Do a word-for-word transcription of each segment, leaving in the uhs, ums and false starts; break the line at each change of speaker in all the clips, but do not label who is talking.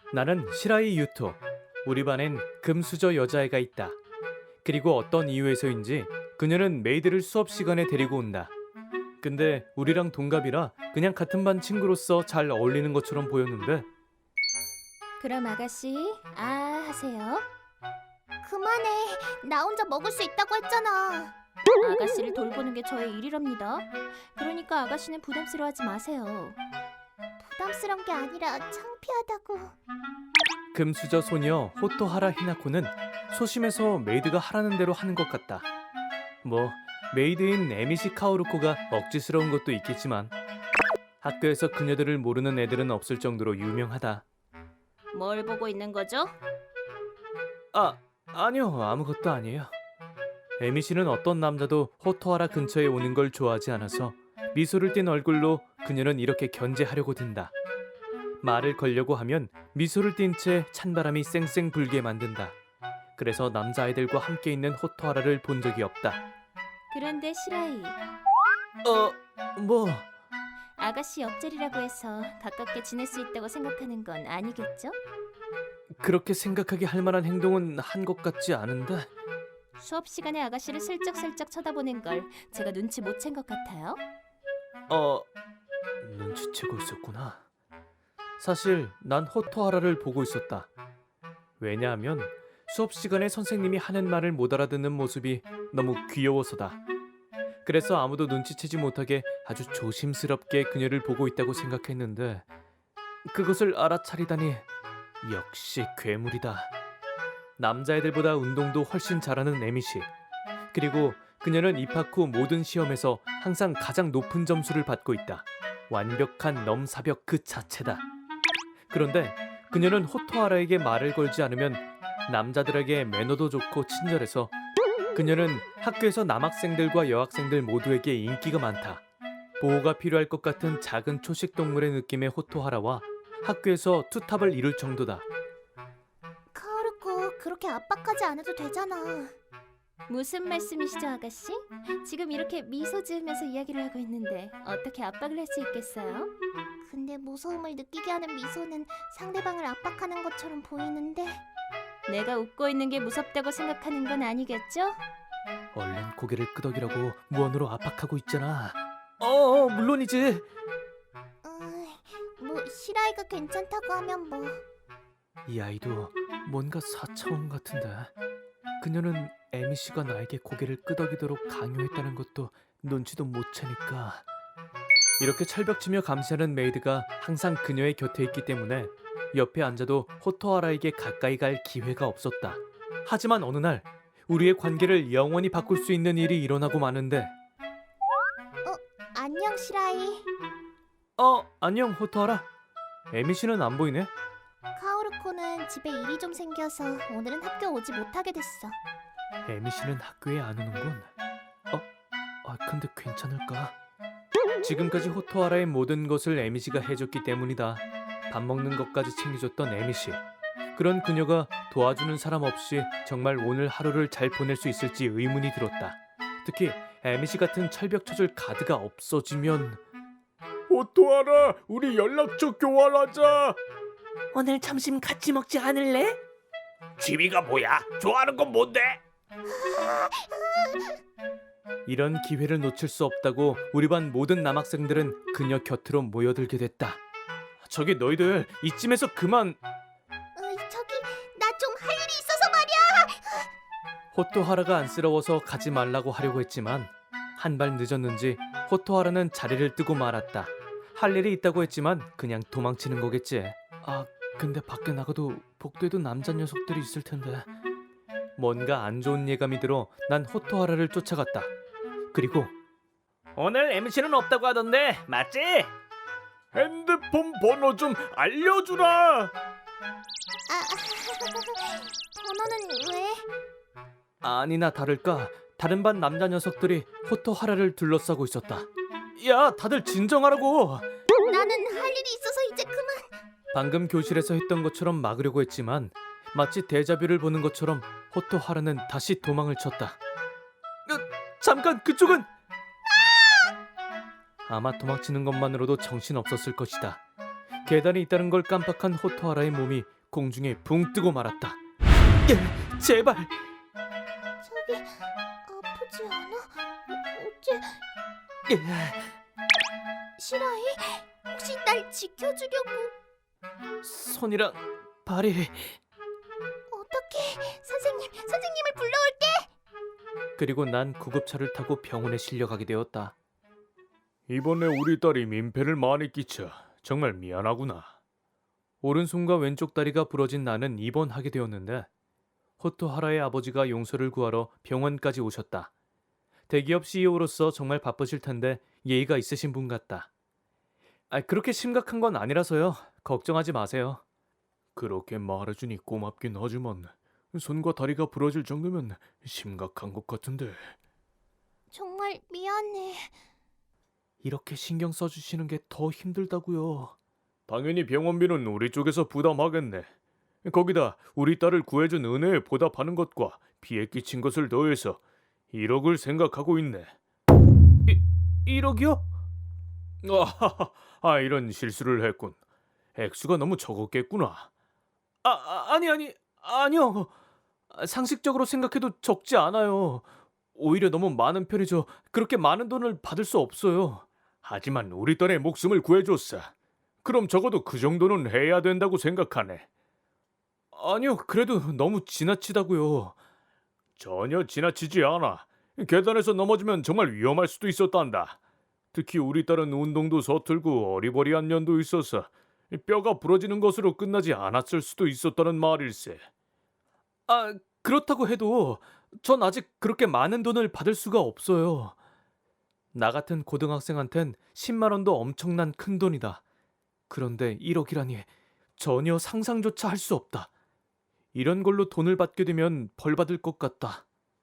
나는 시라이 유토. 우리 반엔 금수저 여자애가 있다. 그리고 어떤 이유에서인지 그녀는 메이드를 수업 시간에 데리고 온다. 근데 우리랑 동갑이라 그냥 같은 반 친구로서 잘 어울리는 것처럼 보였는데
그럼 아가씨, 아 하세요.
그만해. 나 혼자 먹을 수 있다고 했잖아.
아가씨를 돌보는 게 저의 일이랍니다. 그러니까 아가씨는 부담스러워하지 마세요.
부담스러운 게 아니라 창피하다고.
금수저 소녀 호토하라 히나코는 소심해서 메이드가 하라는 대로 하는 것 같다. 뭐 메이드인 에미시 카오루코가 억지스러운 것도 있겠지만 학교에서 그녀들을 모르는 애들은 없을 정도로 유명하다.
뭘 보고 있는 거죠?
아, 아니요. 아무것도 아니에요. 에미씨는 어떤 남자도 호토하라 근처에 오는 걸 좋아하지 않아서 미소를 띤 얼굴로 그녀는 이렇게 견제하려고 든다. 말을 걸려고 하면 미소를 띤 채 찬바람이 쌩쌩 불게 만든다. 그래서 남자아이들과 함께 있는 호토하라를 본 적이 없다.
그런데 시라이,
어, 뭐...
아가씨 옆자리라고 해서 가깝게 지낼 수 있다고 생각하는 건 아니겠죠?
그렇게 생각하게 할 만한 행동은 한 것 같지 않은데
수업 시간에 아가씨를 슬쩍슬쩍 쳐다보는 걸 제가 눈치 못 챈 것 같아요.
어... 눈치채고 있었구나. 사실 난 호토하라를 보고 있었다. 왜냐하면 수업 시간에 선생님이 하는 말을 못 알아듣는 모습이 너무 귀여워서다. 그래서 아무도 눈치채지 못하게 아주 조심스럽게 그녀를 보고 있다고 생각했는데 그것을 알아차리다니 역시 괴물이다. 남자애들보다 운동도 훨씬 잘하는 에미씨. 그리고 그녀는 입학 후 모든 시험에서 항상 가장 높은 점수를 받고 있다. 완벽한 넘사벽 그 자체다. 그런데 그녀는 호토하라에게 말을 걸지 않으면 남자들에게 매너도 좋고 친절해서 그녀는 학교에서 남학생들과 여학생들 모두에게 인기가 많다. 보호가 필요할 것 같은 작은 초식 동물의 느낌의 호토하라와 학교에서 투탑을 이룰 정도다.
카오루코, 그렇게 압박하지 않아도 되잖아.
무슨 말씀이시죠, 아가씨? 지금 이렇게 미소 지으면서 이야기를 하고 있는데 어떻게 압박을 할 수 있겠어요?
근데 무서움을 느끼게 하는 미소는 상대방을 압박하는 것처럼 보이는데.
내가 웃고 있는 게 무섭다고 생각하는 건 아니겠죠?
얼른 고개를 끄덕이라고 무언으로 압박하고 있잖아. 어, 물론이지.
어, 뭐 시라이가 괜찮다고 하면 뭐.
이 아이도 뭔가 사차원 같은데. 그녀는 에미씨가 나에게 고개를 끄덕이도록 강요했다는 것도 눈치도 못 채니까. 이렇게 철벽치며 감시하는 메이드가 항상 그녀의 곁에 있기 때문에 옆에 앉아도 호토하라에게 가까이 갈 기회가 없었다. 하지만 어느 날 우리의 관계를 영원히 바꿀 수 있는 일이 일어나고 마는데.
안녕 시라이.
어, 안녕 호토하라. 에미씨는 안 보이네.
카오루코는 집에 일이 좀 생겨서 오늘은 학교 오지 못하게 됐어.
에미씨는 학교에 안 오는군. 어? 아, 근데 괜찮을까? 지금까지 호토하라의 모든 것을 에미씨가 해줬기 때문이다. 밥 먹는 것까지 챙겨줬던 에미씨. 그런 그녀가 도와주는 사람 없이 정말 오늘 하루를 잘 보낼 수 있을지 의문이 들었다. 특히 에미씨 같은 철벽 쳐줄 가드가 없어지면. 호토하라, 우리 연락처 교환하자.
오늘 점심 같이 먹지 않을래?
취미가 뭐야? 좋아하는 건 뭔데?
이런 기회를 놓칠 수 없다고 우리 반 모든 남학생들은 그녀 곁으로 모여들게 됐다. 저기 너희들 이쯤에서 그만.
어, 저기 나 좀 할 일이 있어서 말이야.
호토하라가 안쓰러워서 가지 말라고 하려고 했지만 한 발 늦었는지 호토하라는 자리를 뜨고 말았다. 할 일이 있다고 했지만 그냥 도망치는 거겠지. 아, 근데 밖에 나가도 복도에도 남자 녀석들이 있을 텐데. 뭔가 안 좋은 예감이 들어 난 호토하라를 쫓아갔다. 그리고
오늘 엠씨는 없다고 하던데 맞지?
핸드폰 번호 좀 알려주라.
아, 번호는 왜?
아니나 다를까 다른 반 남자 녀석들이 호토하라를 둘러싸고 있었다. 야, 다들 진정하라고.
나는 할 일이 있어서 이제 그만.
방금 교실에서 했던 것처럼 막으려고 했지만 마치 데자뷰를 보는 것처럼 호토하라는 다시 도망을 쳤다. 어, 잠깐, 그쪽은! 아마 도망치는 것만으로도 정신없었을 것이다. 계단이 있다는 걸 깜빡한 호토하라의 몸이 공중에 붕 뜨고 말았다. 예, 제발.
저기 아프지 않아? 어째
예.
시라이? 혹시 날 지켜주려고?
손이랑 발이.
어떡해? 선생님, 선생님을 불러올게.
그리고 난 구급차를 타고 병원에 실려가게 되었다.
이번에 우리 딸이 민폐를 많이 끼쳐 정말 미안하구나.
오른손과 왼쪽 다리가 부러진 나는 입원하게 되었는데 호토하라의 아버지가 용서를 구하러 병원까지 오셨다. 대기업 씨이오로서 정말 바쁘실 텐데 예의가 있으신 분 같다. 아, 그렇게 심각한 건 아니라서요. 걱정하지 마세요.
그렇게 말해주니 고맙긴 하지만 손과 다리가 부러질 정도면 심각한 것 같은데.
정말 미안해.
이렇게 신경 써주시는 게 더 힘들다고요.
당연히 병원비는 우리 쪽에서 부담하겠네. 거기다 우리 딸을 구해준 은혜에 보답하는 것과 피해 끼친 것을 더해서 일억을 생각하고 있네.
일억이요?
아하하, 아 이런 실수를 했군. 액수가 너무 적었겠구나.
아, 아 아니 아니 아니요. 상식적으로 생각해도 적지 않아요. 오히려 너무 많은 편이죠. 그렇게 많은 돈을 받을 수 없어요.
하지만 우리 딸의 목숨을 구해줬어. 그럼 적어도 그 정도는 해야 된다고 생각하네.
아니요, 그래도 너무 지나치다고요.
전혀 지나치지 않아. 계단에서 넘어지면 정말 위험할 수도 있었단다. 특히 우리 딸은 운동도 서툴고 어리버리한 년도 있어서 뼈가 부러지는 것으로 끝나지 않았을 수도 있었다는 말일세.
아, 그렇다고 해도 전 아직 그렇게 많은 돈을 받을 수가 없어요. 나 같은 고등학생한텐 십만 원도 엄청난 큰 돈이다. 그런데 일억이라니 전혀 상상조차 할 수 없다. 이런 걸로 돈을 받게 되면 벌 받을 것 같다.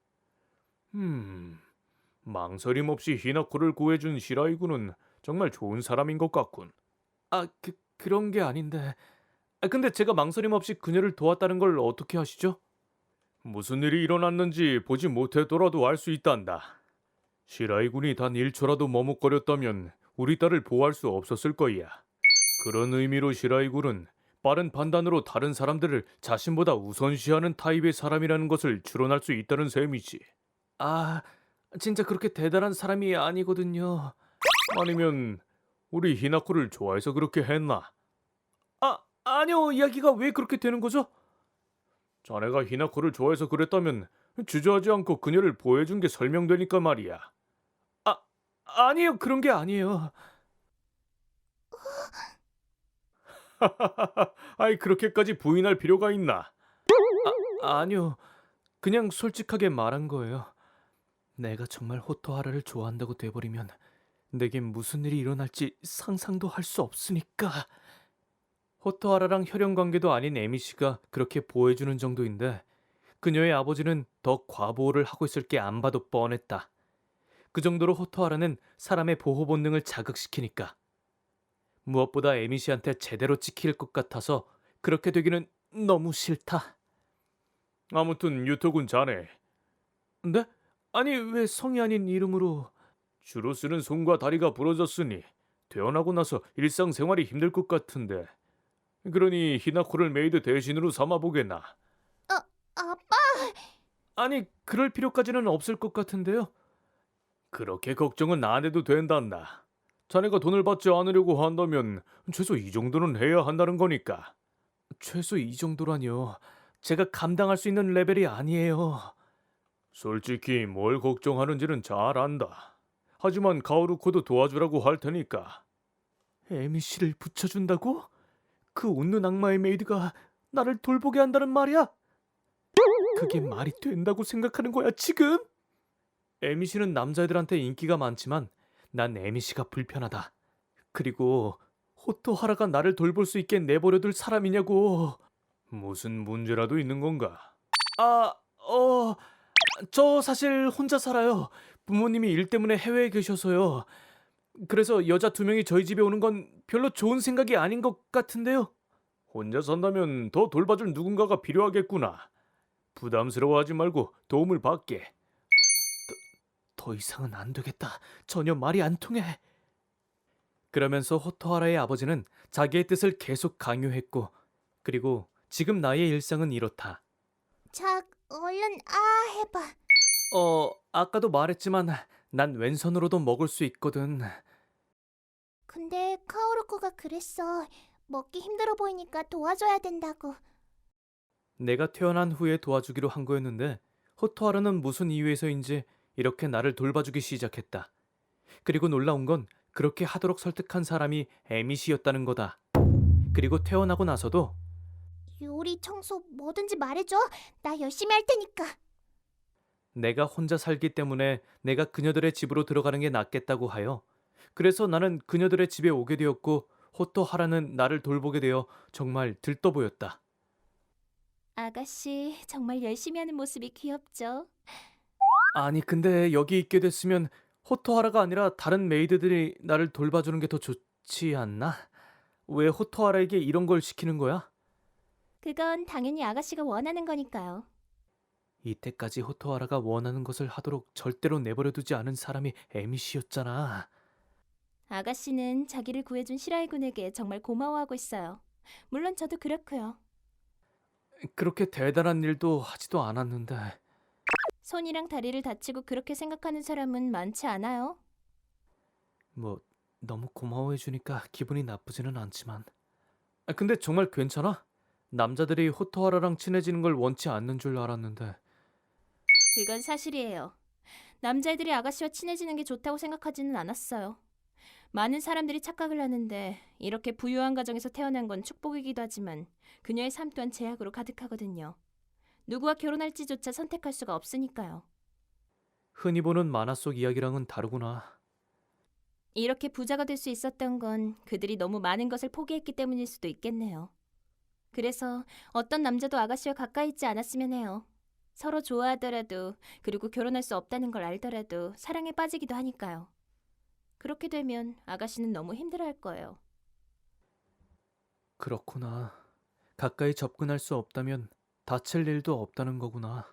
음, 망설임 없이 히나코를 구해준 시라이군은 정말 좋은 사람인 것 같군.
아, 그, 그런 게 아닌데. 아, 근데 제가 망설임 없이 그녀를 도왔다는 걸 어떻게 아시죠?
무슨 일이 일어났는지 보지 못했더라도 알 수 있단다. 시라이군이 단 일 초라도 머뭇거렸다면 우리 딸을 보호할 수 없었을 거야. 그런 의미로 시라이군은 빠른 판단으로 다른 사람들을 자신보다 우선시하는 타입의 사람이라는 것을 추론할 수 있다는 셈이지.
아, 진짜 그렇게 대단한 사람이 아니거든요.
아니면 우리 히나코를 좋아해서 그렇게 했나?
아, 아니요. 이야기가 왜 그렇게 되는 거죠?
자네가 히나코를 좋아해서 그랬다면 주저하지 않고 그녀를 보호해준 게 설명되니까 말이야.
아, 아니요. 그런 게 아니에요.
아이 그렇게까지 부인할 필요가 있나?
아, 아니요. 그냥 솔직하게 말한 거예요. 내가 정말 호토하라를 좋아한다고 돼버리면 내겐 무슨 일이 일어날지 상상도 할 수 없으니까. 호토하라랑 혈연 관계도 아닌 에미 씨가 그렇게 보호해주는 정도인데 그녀의 아버지는 더 과보호를 하고 있을 게 안 봐도 뻔했다. 그 정도로 호토하라는 사람의 보호 본능을 자극시키니까. 무엇보다 에미 씨한테 제대로 찍힐 것 같아서 그렇게 되기는 너무 싫다.
아무튼 유토군 자네
근데? 아니 왜 성이 아닌 이름으로...
주로 쓰는 손과 다리가 부러졌으니 퇴원하고 나서 일상생활이 힘들 것 같은데 그러니 히나코를 메이드 대신으로 삼아보겠나?
아빠,
아니 그럴 필요까지는 없을 것 같은데요.
그렇게 걱정은 안 해도 된단다. 자네가 돈을 받지 않으려고 한다면 최소 이 정도는 해야 한다는 거니까.
최소 이 정도라니요. 제가 감당할 수 있는 레벨이 아니에요.
솔직히 뭘 걱정하는지는 잘 안다. 하지만 가오루코도 도와주라고 할 테니까.
에미 씨를 붙여준다고? 그 웃는 악마의 메이드가 나를 돌보게 한다는 말이야? 그게 말이 된다고 생각하는 거야 지금? 에미 씨는 남자애들한테 인기가 많지만 난 에미 씨가 불편하다. 그리고 호토하라가 나를 돌볼 수 있게 내버려둘 사람이냐고.
무슨 문제라도 있는 건가?
아, 어... 저 사실 혼자 살아요. 부모님이 일 때문에 해외에 계셔서요. 그래서 여자 두 명이 저희 집에 오는 건 별로 좋은 생각이 아닌 것 같은데요.
혼자 산다면 더 돌봐줄 누군가가 필요하겠구나. 부담스러워하지 말고 도움을 받게.
더 이상은 안 되겠다. 전혀 말이 안 통해. 그러면서 호토하라의 아버지는 자기의 뜻을 계속 강요했고 그리고 지금 나의 일상은 이렇다.
자, 얼른 아 해봐.
어, 아까도 말했지만 난 왼손으로도 먹을 수 있거든.
근데 카오루코가 그랬어. 먹기 힘들어 보이니까 도와줘야 된다고.
내가 태어난 후에 도와주기로 한 거였는데 호토하라는 무슨 이유에서인지 이렇게 나를 돌봐주기 시작했다. 그리고 놀라운 건 그렇게 하도록 설득한 사람이 에미시였다는 거다. 그리고 태어나고 나서도
요리, 청소 뭐든지 말해줘. 나 열심히 할 테니까.
내가 혼자 살기 때문에 내가 그녀들의 집으로 들어가는 게 낫겠다고 하여 그래서 나는 그녀들의 집에 오게 되었고 호토하라는 나를 돌보게 되어 정말 들떠 보였다.
아가씨 정말 열심히 하는 모습이 귀엽죠?
아니 근데 여기 있게 됐으면 호토하라가 아니라 다른 메이드들이 나를 돌봐주는 게 더 좋지 않나? 왜 호토하라에게 이런 걸 시키는 거야?
그건 당연히 아가씨가 원하는 거니까요.
이때까지 호토하라가 원하는 것을 하도록 절대로 내버려두지 않은 사람이 에미시였잖아.
아가씨는 자기를 구해준 시라이 군에게 정말 고마워하고 있어요. 물론 저도 그렇고요.
그렇게 대단한 일도 하지도 않았는데.
손이랑 다리를 다치고 그렇게 생각하는 사람은 많지 않아요.
뭐 너무 고마워해주니까 기분이 나쁘지는 않지만. 아, 근데 정말 괜찮아? 남자들이 호토하라랑 친해지는 걸 원치 않는 줄 알았는데.
그건 사실이에요. 남자애들이 아가씨와 친해지는 게 좋다고 생각하지는 않았어요. 많은 사람들이 착각을 하는데 이렇게 부유한 가정에서 태어난 건 축복이기도 하지만 그녀의 삶 또한 제약으로 가득하거든요. 누구와 결혼할지조차 선택할 수가 없으니까요.
흔히 보는 만화 속 이야기랑은 다르구나.
이렇게 부자가 될 수 있었던 건 그들이 너무 많은 것을 포기했기 때문일 수도 있겠네요. 그래서 어떤 남자도 아가씨와 가까이 있지 않았으면 해요. 서로 좋아하더라도 그리고 결혼할 수 없다는 걸 알더라도 사랑에 빠지기도 하니까요. 그렇게 되면 아가씨는 너무 힘들어할 거예요.
그렇구나. 가까이 접근할 수 없다면 다칠 일도 없다는 거구나.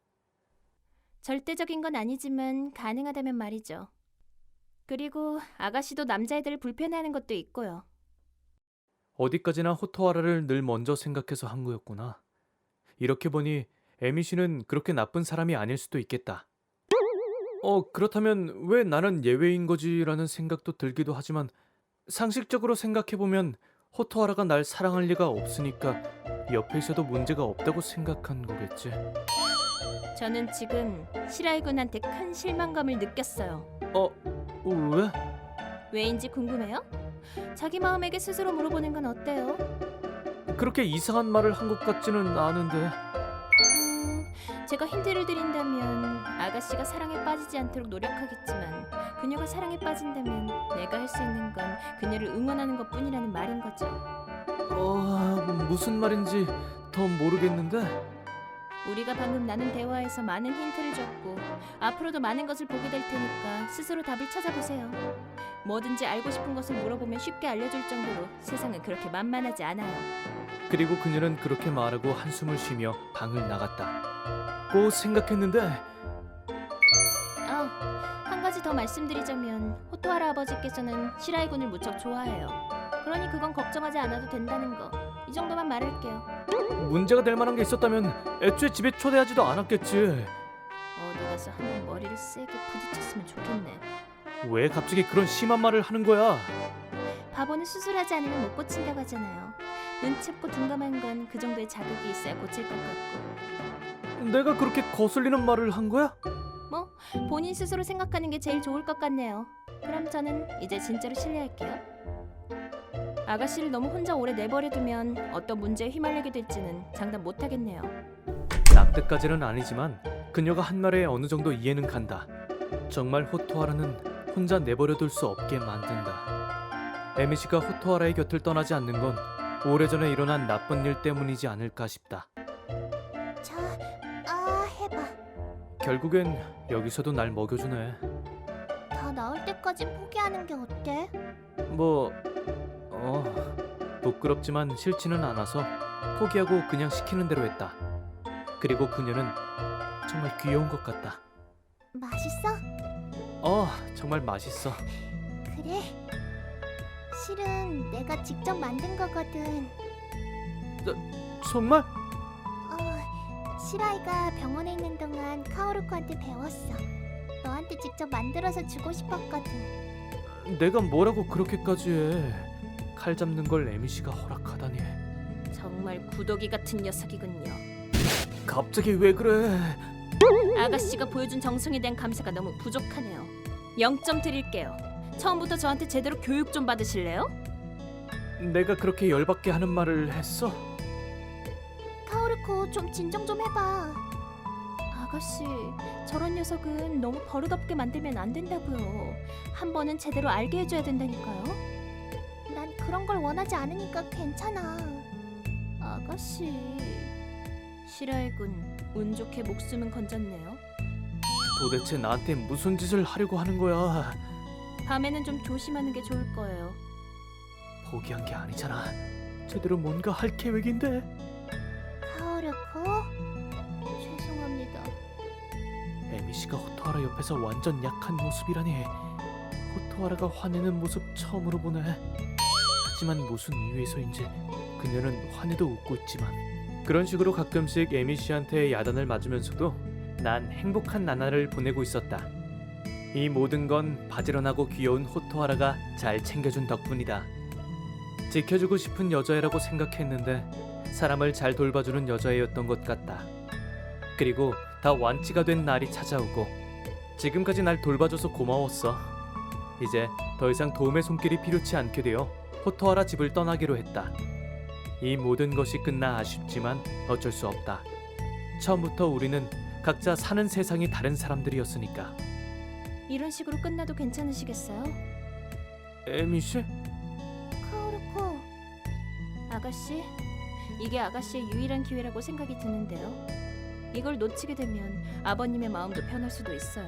절대적인 건 아니지만 가능하다면 말이죠. 그리고 아가씨도 남자애들을 불편해하는 것도 있고요.
어디까지나 호토하라를 늘 먼저 생각해서 한 거였구나. 이렇게 보니 에미 씨는 그렇게 나쁜 사람이 아닐 수도 있겠다. 어, 그렇다면 왜 나는 예외인 거지라는 생각도 들기도 하지만 상식적으로 생각해보면 호토하라가 날 사랑할 리가 없으니까 옆에 있어도 문제가 없다고 생각한 거겠지.
저는 지금 시라이 군한테 큰 실망감을 느꼈어요.
어, 왜?
왜인지 궁금해요? 자기 마음에게 스스로 물어보는 건 어때요?
그렇게 이상한 말을 한 것 같지는 않은데.
음, 제가 힌트를 드린다면 아가씨가 사랑에 빠지지 않도록 노력하겠지만 그녀가 사랑에 빠진다면 내가 할 수 있는 건 그녀를 응원하는 것뿐이라는 말인 거죠.
어, 무슨 말인지 더 모르겠는데.
우리가 방금 나눈 대화에서 많은 힌트를 줬고 앞으로도 많은 것을 보게 될 테니까 스스로 답을 찾아보세요. 뭐든지 알고 싶은 것을 물어보면 쉽게 알려줄 정도로 세상은 그렇게 만만하지 않아요.
그리고 그녀는 그렇게 말하고 한숨을 쉬며 방을 나갔다. 꼭 생각했는데
아, 한 가지 더 말씀드리자면 호토하라 아버지께서는 시라이 군을 무척 좋아해요. 그러니 그건 걱정하지 않아도 된다는 거. 이 정도만 말할게요.
문제가 될 만한 게 있었다면 애초에 집에 초대하지도 않았겠지.
어디 가서 한번 머리를 세게 부딪혔으면 좋겠네.
왜 갑자기 그런 심한 말을 하는 거야?
바보는 수술하지 않으면 못 고친다고 하잖아요. 눈치없고 둔감한 건 그 정도의 자극이 있어야 고칠 것 같고.
내가 그렇게 거슬리는 말을 한 거야?
뭐 본인 스스로 생각하는 게 제일 좋을 것 같네요. 그럼 저는 이제 진짜로 실례할게요. 아가씨를 너무 혼자 오래 내버려두면 어떤 문제에 휘말리게 될지는 장담 못하겠네요.
납득까지는 아니지만 그녀가 한 말에 어느 정도 이해는 간다. 정말 호토하라는 혼자 내버려둘 수 없게 만든다. 에미시가 호토하라의 곁을 떠나지 않는 건 오래전에 일어난 나쁜 일 때문이지 않을까 싶다.
자, 아 해봐.
결국엔 여기서도 날 먹여주네.
다 나을 때까지 포기하는 게 어때?
뭐... 어... 부끄럽지만 싫지는 않아서 포기하고 그냥 시키는 대로 했다. 그리고 그녀는 정말 귀여운 것 같다.
맛있어?
어, 정말 맛있어.
그래. 실은 내가 직접 만든 거거든.
정말?
어, 시라이가 병원에 있는 동안 카오루코한테 배웠어. 너한테 직접 만들어서 주고 싶었거든.
내가 뭐라고 그렇게까지 해? 칼 잡는 걸 에미 씨가 허락하다니.
정말 구더기 같은 녀석이군요.
갑자기 왜 그래?
아가씨가 보여준 정성에 대한 감사가 너무 부족하네요. 영 점 드릴게요. 처음부터 저한테 제대로 교육 좀 받으실래요?
내가 그렇게 열받게 하는 말을 했어?
카오루코 좀 진정 좀 해봐.
아가씨, 저런 녀석은 너무 버릇없게 만들면 안 된다고요. 한 번은 제대로 알게 해줘야 된다니까요.
난 그런 걸 원하지 않으니까 괜찮아.
아가씨, 시라이군, 운 좋게 목숨은 건졌네요.
도대체 나한테 무슨 짓을 하려고 하는 거야?
밤에는 좀 조심하는 게 좋을 거예요.
포기한 게 아니잖아. 제대로 뭔가 할 계획인데.
카오루코, 죄송합니다.
에미 씨가 호토하라 옆에서 완전 약한 모습이라니. 호토하라가 화내는 모습 처음으로 보네. 하지만 무슨 이유에서인지 그녀는 화내도 웃고 있지만 그런 식으로 가끔씩 에미 씨한테 야단을 맞으면서도 난 행복한 나날을 보내고 있었다. 이 모든 건 바지런하고 귀여운 호토하라가 잘 챙겨준 덕분이다. 지켜주고 싶은 여자애라고 생각했는데 사람을 잘 돌봐주는 여자애였던 것 같다. 그리고 다 완치가 된 날이 찾아오고 지금까지 날 돌봐줘서 고마웠어. 이제 더 이상 도움의 손길이 필요치 않게 되어 호토하라 집을 떠나기로 했다. 이 모든 것이 끝나 아쉽지만 어쩔 수 없다. 처음부터 우리는 각자 사는 세상이 다른 사람들이었으니까.
이런 식으로 끝나도 괜찮으시겠어요?
에미 씨?
카오루코,
아가씨, 이게 아가씨의 유일한 기회라고 생각이 드는데요. 이걸 놓치게 되면 아버님의 마음도 변할 수도 있어요.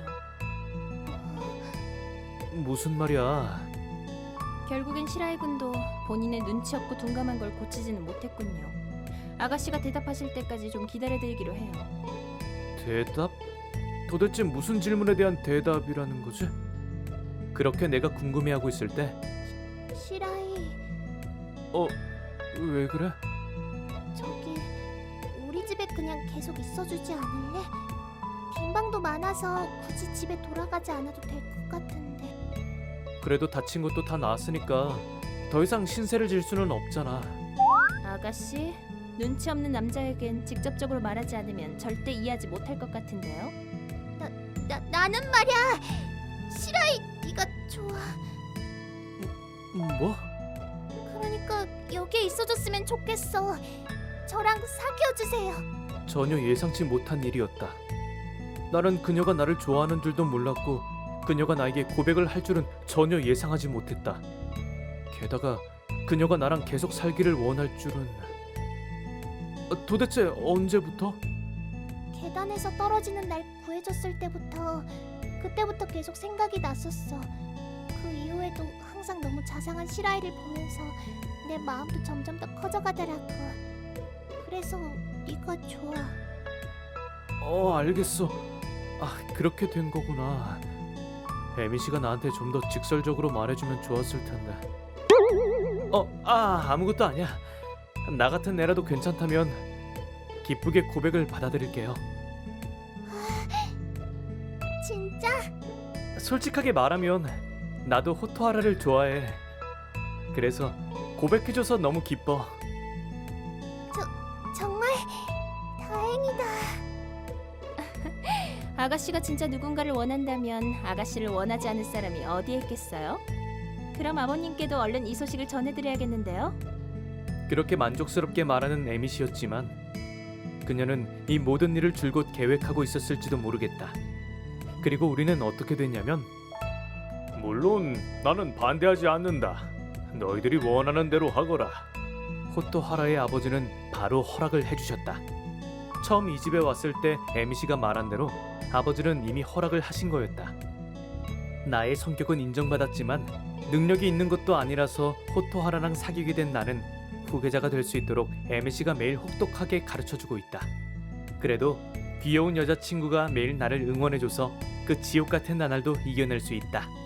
무슨 말이야?
결국엔 시라이 군도 본인의 눈치 없고 둔감한 걸 고치지는 못했군요. 아가씨가 대답하실 때까지 좀 기다려드리기로 해요.
대답? 도대체 무슨 질문에 대한 대답이라는 거지? 그렇게 내가 궁금해하고 있을 때
시라이,
어? 왜 그래?
저기 우리 집에 그냥 계속 있어주지 않을래? 빈 방도 많아서 굳이 집에 돌아가지 않아도 될 것 같은데.
그래도 다친 것도 다 나았으니까 더 이상 신세를 질 수는 없잖아.
아가씨, 눈치 없는 남자에겐 직접적으로 말하지 않으면 절대 이해하지 못할 것 같은데요.
나 나는 말이야. 시라이, 네가 좋아.
뭐?
그러니까 여기에 있어줬으면 좋겠어. 저랑 사귀어 주세요.
전혀 예상치 못한 일이었다. 나는 그녀가 나를 좋아하는 줄도 몰랐고 그녀가 나에게 고백을 할 줄은 전혀 예상하지 못했다. 게다가 그녀가 나랑 계속 살기를 원할 줄은... 어, 도대체 언제부터?
계단에서 떨어지는 날 구해줬을 때부터, 그때부터 계속 생각이 났었어. 그 이후에도 항상 너무 자상한 시라이를 보면서 내 마음도 점점 더 커져가더라고. 그래서 네가 좋아.
어, 알겠어. 아, 그렇게 된 거구나. 에미 씨가 나한테 좀 더 직설적으로 말해주면 좋았을 텐데. 어, 아, 아무것도 아니야. 나 같은 애라도 괜찮다면 기쁘게 고백을 받아들일게요.
진짜?
솔직하게 말하면 나도 호토하라를 좋아해. 그래서 고백해줘서 너무 기뻐.
정말 다행이다.
아가씨가 진짜 누군가를 원한다면 아가씨를 원하지 않을 사람이 어디에 있겠어요? 그럼 아버님께도 얼른 이 소식을 전해드려야겠는데요.
그렇게 만족스럽게 말하는 에미 씨였지만 그녀는 이 모든 일을 줄곧 계획하고 있었을지도 모르겠다. 그리고 우리는 어떻게 됐냐면,
물론 나는 반대하지 않는다. 너희들이 원하는 대로 하거라.
호토하라의 아버지는 바로 허락을 해주셨다. 처음 이 집에 왔을 때 에미 씨가 말한 대로 아버지는 이미 허락을 하신 거였다. 나의 성격은 인정받았지만 능력이 있는 것도 아니라서 호토하라랑 사귀게 된 나는 후계자가 될 수 있도록 에미 씨가 매일 혹독하게 가르쳐주고 있다. 그래도 귀여운 여자친구가 매일 나를 응원해줘서 그 지옥 같은 나날도 이겨낼 수 있다.